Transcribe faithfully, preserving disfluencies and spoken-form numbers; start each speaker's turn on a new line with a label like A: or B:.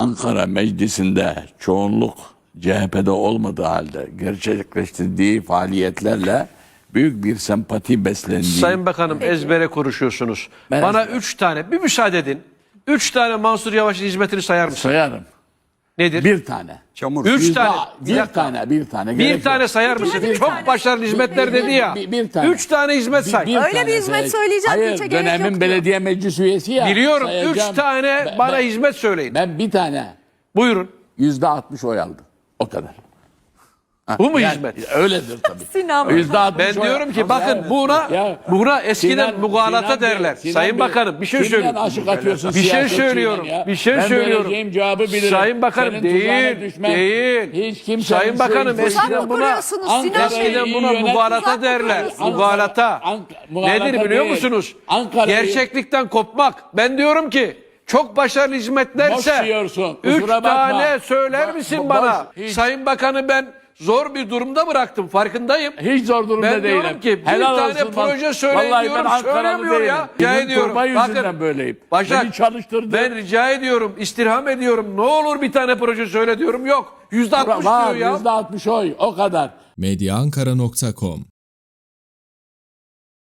A: Ankara Meclisi'nde çoğunluk C H P'de olmadığı halde gerçekleştirdiği faaliyetlerle büyük bir sempati beslendiği...
B: Sayın Bakanım ezbere konuşuyorsunuz.
A: Ben
B: Bana
A: ezbere.
B: üç tane, bir müsaade edin. Üç tane Mansur Yavaş'ın hizmetini sayar mısın?
A: Sayarım.
B: Nedir?
A: Bir tane.
C: Çamur.
B: Üç
A: Yüzde-
B: tane.
A: Bir
B: dakika.
A: tane, bir tane.
B: Bir
A: Gerek
B: tane
A: yok.
B: sayar mısın?
D: bir
B: Çok
D: tane.
B: başarılı hizmetler dedi ya.
A: Bir- bir tane.
B: Üç tane hizmet say.
A: Bir
D: Öyle
A: tane
D: bir hizmet
A: sayacağım.
D: söyleyeceğim ki
A: Hayır,
D: hiç gerek
A: dönemin
D: yok diyor.
A: belediye meclis üyesi ya.
B: Biliyorum.
A: sayacağım.
B: Üç tane
A: Ben-
B: bana
A: ben-
B: hizmet söyleyin.
A: Ben bir tane
B: Buyurun.
A: yüzde altmış oy aldım. O kadar. Ha,
B: Bu mu
A: yani
B: hizmet?
A: Öyledir tabii.
D: Sinan.
A: Yüzde altmış
B: Ben
A: oy-
B: diyorum ki
A: Ya-
B: bakın buna
A: Ya-
B: buna eskiden
A: Sinan-
B: mugalata
A: Sinan Bey-
B: derler.
A: Sinan
B: Sayın
A: Bey,
B: Bakanım bir şey
A: kimden
B: söylüyorum.
A: aşık atıyorsun
B: Bir şey
A: siyasetçiden
B: söylüyorum.
A: ya?
B: Bir şey
A: Ben
B: söylüyorum.
A: vereceğim cevabı bilirim.
B: Sayın Bakanım
A: Senin tuzağına
B: değil.
A: düşmem.
B: Değil.
A: Hiç kimsenin
B: Sayın Bakanım
A: şeyi-
D: Tuzak
B: eskiden
D: mı
B: buna
D: kuruyorsunuz Sinan
A: Ankara'yı
D: Bey?
B: eskiden
A: iyi
B: buna
A: yönet-
B: mugalata
D: Tuzak mı
B: derler.
D: kuruyorsunuz?
B: Mugalata.
A: Ank- mugalata
B: Nedir biliyor
A: değil.
B: musunuz?
A: Ankara'yı-
B: Gerçeklikten kopmak. Ben diyorum ki çok başarılı
A: Boş
B: hizmetlerse
A: diyorsun,
B: üç
A: kusura bakma.
B: tane söyler
A: Bo-
B: misin
A: boş,
B: bana?
A: hiç.
B: Sayın Bakanı ben zor bir durumda bıraktım. Farkındayım.
A: Hiç zor durumda
B: Ben
A: değilim.
B: diyorum ki bir
A: Helal
B: tane
A: olsun bak.
B: proje söyleyin
A: Vallahi
B: diyorum.
A: ben Ankaralı
B: Söylemiyor
A: değilim.
B: ya.
A: Bizim
B: Rica ediyorum.
A: turba yüzünden
B: Bakın,
A: böyleyim.
B: Başak,
A: Beni çalıştırdı.
B: ben rica ediyorum, istirham ediyorum. Ne olur bir tane proje söyle diyorum. Yok. Yüzde altmış
A: Var
B: diyor ya.
A: yüzde altmış oy o kadar.
E: medya ankara nokta com